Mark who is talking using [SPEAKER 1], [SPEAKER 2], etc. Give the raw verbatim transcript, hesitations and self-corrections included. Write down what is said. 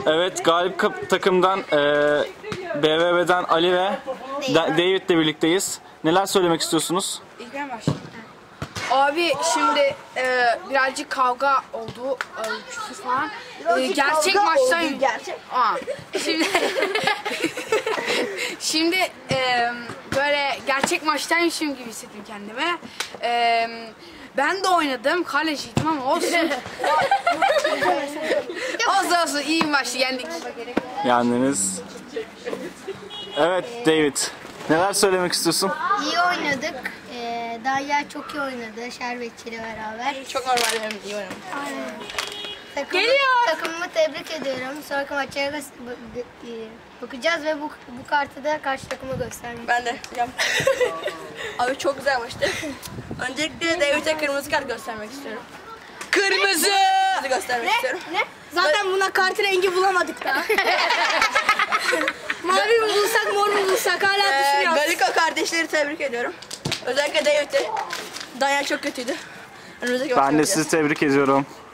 [SPEAKER 1] Evet, galip takımdan e, B V B'den Ali ve David'le birlikteyiz. Neler söylemek istiyorsunuz?
[SPEAKER 2] İlk ben başlayayım. Abi şimdi e, birazcık kavga oldu, e, küfür falan. E, gerçek maçtan gerçek. Aa, şimdi şimdi e, böyle gerçek maçtaymışım gibi hissettim kendime. E, ben de oynadım, kaleciydim ama olsun. olsun olsun iyi maçtı, yendik.
[SPEAKER 1] Yendiniz. Evet David, neler söylemek istiyorsun?
[SPEAKER 3] İyi oynadık. Ee, Derya çok iyi oynadı. Şerbetçiyle beraber.
[SPEAKER 2] Çok normal, hem iyi oynadım.
[SPEAKER 3] Takımı,
[SPEAKER 2] Geliyor.
[SPEAKER 3] takımımı tebrik ediyorum. Sonraki maçlara bakacağız ve bu, bu kartı da karşı takıma göstermek.
[SPEAKER 4] Ben de. Abi çok güzel maçtı. Öncelikle David'e kırmızı kart göstermek istiyorum.
[SPEAKER 2] Kırmızı!
[SPEAKER 4] Kırmızı göstermek istiyorum.
[SPEAKER 3] Ne? Zaten buna kart rengi bulamadık da. Mavi mi bulsak, mor mu bulsak hala
[SPEAKER 4] Ee,
[SPEAKER 3] düşünüyoruz.
[SPEAKER 4] Galiko kardeşleri tebrik ediyorum. Özellikle David'e. Danya çok kötüydü. Önümüzdeki
[SPEAKER 1] Ben de sizi tebrik ediyorum.